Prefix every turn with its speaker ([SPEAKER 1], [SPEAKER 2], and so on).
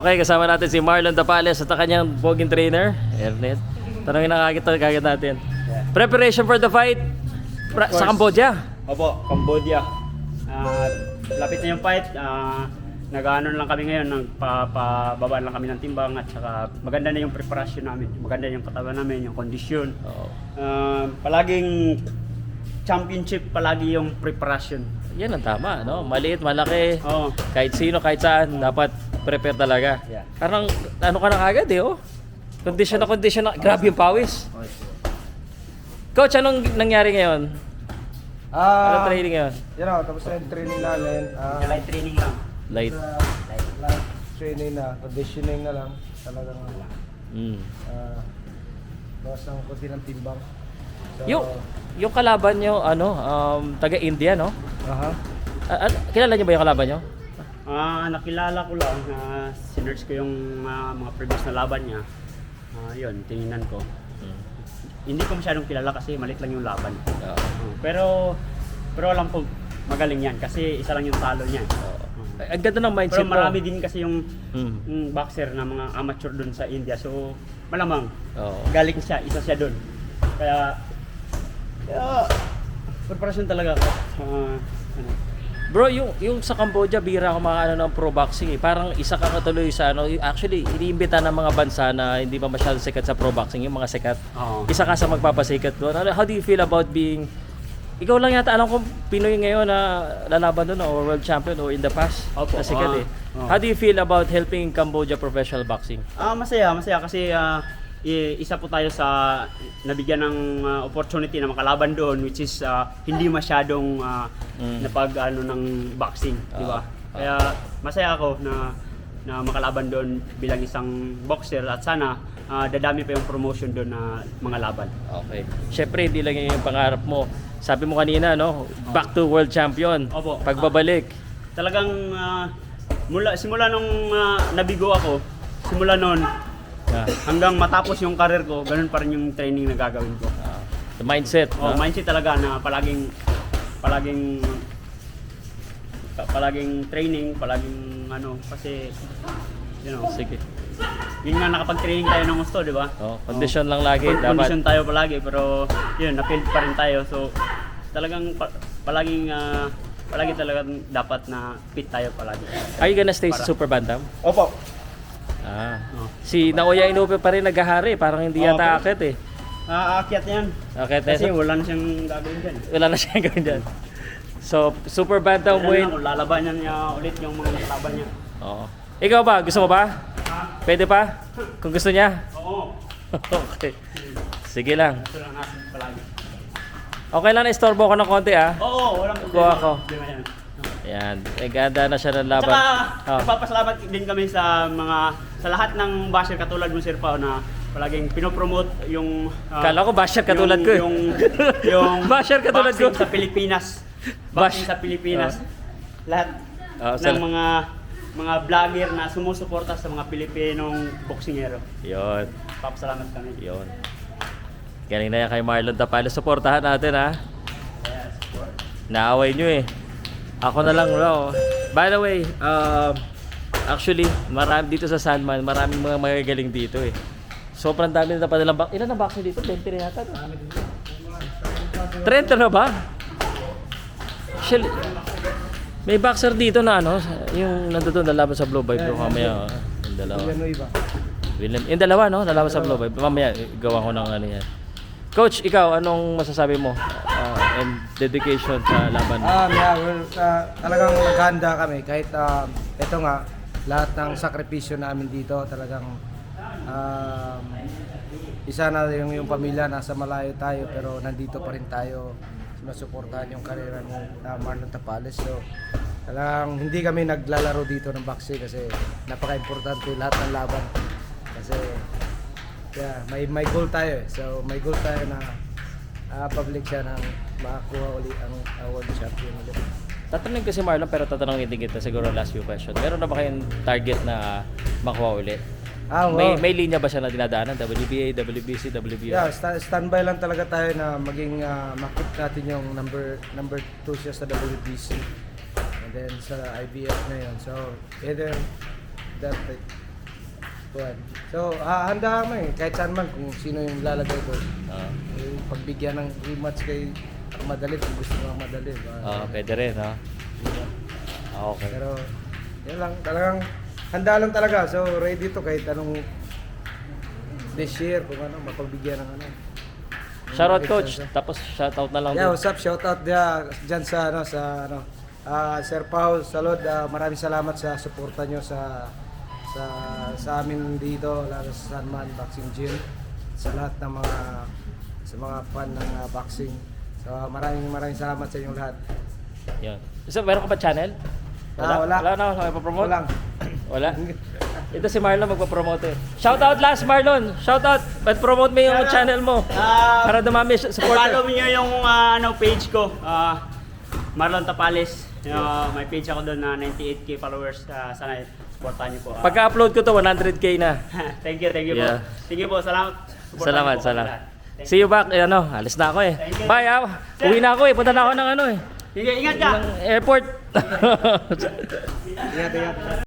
[SPEAKER 1] Okay, kasama natin si Marlon Tapales at ang kanyang boging trainer, Ernest. Tanongin na kagad natin. Preparation for the fight sa Cambodia.
[SPEAKER 2] Opo, Cambodia. Lapit na yung fight. Nag-ano lang kami ngayon, nagpababa lang kami ng timbang at saka maganda na yung preparasyon namin. Maganda yung katawan namin, yung kondisyon. Palaging championship, palagi yung preparasyon.
[SPEAKER 1] Yan ang tama, no? Maliit, malaki.
[SPEAKER 2] Oo.
[SPEAKER 1] Kahit sino, kahit saan, dapat prepare talaga.
[SPEAKER 2] Yeah.
[SPEAKER 1] Parang ano ka na kagad eh, oh. Condition na. Grabe yung pawis. Coach, anong nangyari ngayon? Anong training ngayon?
[SPEAKER 3] Tapos na yung training namin.
[SPEAKER 2] Light training lang.
[SPEAKER 1] Light.
[SPEAKER 3] Light training na, conditioning na lang. Talagang bawas ng konti ng timbang. So,
[SPEAKER 1] Yung kalaban nyo, taga-India, no? Kilala nyo ba yung kalaban nyo?
[SPEAKER 2] Nakilala ko lang, sinerge ko yung mga previous na laban niya. Yun, tinignan ko. Hindi ko masyadong kilala kasi malit lang yung laban. Pero alam ko magaling yan kasi isa lang yung talo niya.
[SPEAKER 1] Ang ganda ng mindset
[SPEAKER 2] Pero marami din kasi yung boxer na mga amateur doon sa India. So malamang galing siya, isa siya doon. Kaya preparasyon talaga ako.
[SPEAKER 1] Bro, yung sa Cambodia, bira ako mga ng pro boxing eh. Parang isa ka katuloy sa actually, iniimbita ng mga bansa na hindi pa masyadong sikat sa pro boxing, yung mga sikat. Isa ka sa magpapasikat doon. How do you feel about being, ikaw lang yata alam kung Pinoy ngayon na lalaban doon or world champion or in the past na sikat eh. How do you feel about helping Cambodia professional boxing?
[SPEAKER 2] Masaya kasi isa po tayo sa nabigyan ng opportunity na makalaban doon, which is hindi masyadong napag ng boxing, di ba? Kaya masaya ako na makalaban doon bilang isang boxer at sana dadami pa yung promotion doon na mga laban.
[SPEAKER 1] Okay. Syempre hindi lang yung pangarap mo. Sabi mo kanina, no? Back to world champion.
[SPEAKER 2] Opo.
[SPEAKER 1] Pagbabalik.
[SPEAKER 2] Talagang simula nung nabigo ako, simula noon hanggang matapos yung career ko, ganun pa rin yung training na gagawin ko.
[SPEAKER 1] The mindset.
[SPEAKER 2] Mindset talaga na palaging training, kasi
[SPEAKER 1] Sige.
[SPEAKER 2] yun nga nakapag-training tayo ng gusto, di ba?
[SPEAKER 1] Condition lang lagi. Dapat.
[SPEAKER 2] Condition tayo palagi, pero yun, na-field pa rin tayo. So talagang palagi talagang dapat na fit tayo palagi.
[SPEAKER 1] Are you gonna stay sa Super Bantam?
[SPEAKER 3] Opo.
[SPEAKER 1] Si Naoya Inoue pa rin naghahari, parang hindi yata akit eh.
[SPEAKER 2] Aakyat yan.
[SPEAKER 1] Akit
[SPEAKER 2] Kasi wala na siyang gagawin dyan.
[SPEAKER 1] Wala na siyang gawin dyan. So, Super Bantam weight.
[SPEAKER 2] Kung lalabanan niya ulit yung mga laban niya.
[SPEAKER 1] Oo. Ikaw ba? Gusto mo ba? Pwede pa? Kung gusto niya?
[SPEAKER 2] Oo.
[SPEAKER 1] Okay. Sige lang.
[SPEAKER 2] Gusto lang natin palagi.
[SPEAKER 1] Okay lang na istorbo ko ng konti
[SPEAKER 2] Oo, walang
[SPEAKER 1] Kuha ko.
[SPEAKER 2] problema yan.
[SPEAKER 1] Ayan. Ganda na siya ng laban.
[SPEAKER 2] Tsaka, nagpapasalamat din kami sa lahat ng basher katulad mo, Sir Pao, na palaging pinopromote yung
[SPEAKER 1] Kala ko basher katulad ko eh.
[SPEAKER 2] yung
[SPEAKER 1] Basher katulad ko.
[SPEAKER 2] boxing sa Pilipinas. Boxing sa Pilipinas. Lahat ng mga vlogger na sumusuporta sa mga Pilipinong boksingero.
[SPEAKER 1] Yun.
[SPEAKER 2] Papasalamat kami.
[SPEAKER 1] Yun. Galing na yan kay Marlon Tapales. Suportahan natin
[SPEAKER 2] Yes, support.
[SPEAKER 1] Naaway nyo eh. Ako na lang bro. By the way, actually, marami dito sa Sandman, maraming mga magagaling dito eh. Sobrang dami na padalang ilan na boxing dito? 20 na yata. 30 na ba? Actually, may boxer dito na yung nandoon lalaban sa Blue Vibe mamaya. Yung dalawa. Yung dalawa lalaban sa Blue Vibe. Mamaya gawa ko ng yan. Coach, ikaw, anong masasabi mo and dedication sa laban?
[SPEAKER 3] Talagang naghanda kami kahit ito nga lahat ng sakripisyo namin dito talagang isa na yung pamilya nasa malayo tayo pero nandito pa rin tayo sinusuportahan yung karera ni Marlon Tapales. So talagang hindi kami naglalaro dito ng boxing kasi napaka-importante lahat ng laban kasi may goal tayo eh. So may goal tayo na public siya ng makakuha ulit ang world champion ulit.
[SPEAKER 1] Tatanungin ko si Marlon pero tatanungin din kita siguro last few question. Meron na ba kayong target na makuha ulit? May linya ba siya na dinadaanan? WBA, WBC, WBO?
[SPEAKER 3] Yeah, standby lang talaga tayo na maging makip natin yung number 2 siya sa WBC and then sa IBF na yun. So either that Kuwan. So, handa kami kahit saan man kung sino yung lalagay doon. Yung pagbigyan ng rematch kay madali kung gusto mo madali.
[SPEAKER 1] Pwede rin, ha? Okay.
[SPEAKER 3] Pero, yun lang, talagang handa lang talaga. So, ready to kahit anong this year, kung ano, mapagbigyan ng ano.
[SPEAKER 1] Shoutout coach, tapos shoutout na lang
[SPEAKER 3] Yeah,
[SPEAKER 1] din.
[SPEAKER 3] what's up? Shoutout dyan sa Sir Paul Salod. Maraming salamat sa suporta nyo sa amin dito, lalo sa San Man Boxing Gym, sa lahat ng mga fan ng boxing. So maraming salamat sa inyong lahat.
[SPEAKER 1] Yan. So, meron ka ba channel?
[SPEAKER 3] Wala.
[SPEAKER 1] Wala na ako ipapromote?
[SPEAKER 3] Walang.
[SPEAKER 1] Wala? Ito si Marlon magpapromote eh. Shoutout last Marlon! Shoutout! Ba't promote mo yung channel mo? Para dumami
[SPEAKER 2] Follow
[SPEAKER 1] supporter.
[SPEAKER 2] niyo yung page ko, Marlon Tapales. May page ako doon na 98k followers. Sana supportahan niyo po.
[SPEAKER 1] Pagka-upload ko to, 100k na.
[SPEAKER 2] Thank you
[SPEAKER 1] Yeah.
[SPEAKER 2] po. Sige po, salamat.
[SPEAKER 1] Salamat,
[SPEAKER 2] Supportahan niyo po
[SPEAKER 1] salamat.
[SPEAKER 2] kami lahat.
[SPEAKER 1] See you back. Alis na ako eh.
[SPEAKER 2] Thank you.
[SPEAKER 1] Bye Uwi na ako eh. Punta na ako ng
[SPEAKER 2] Sige, ingat ka!
[SPEAKER 1] airport.
[SPEAKER 3] Ingat.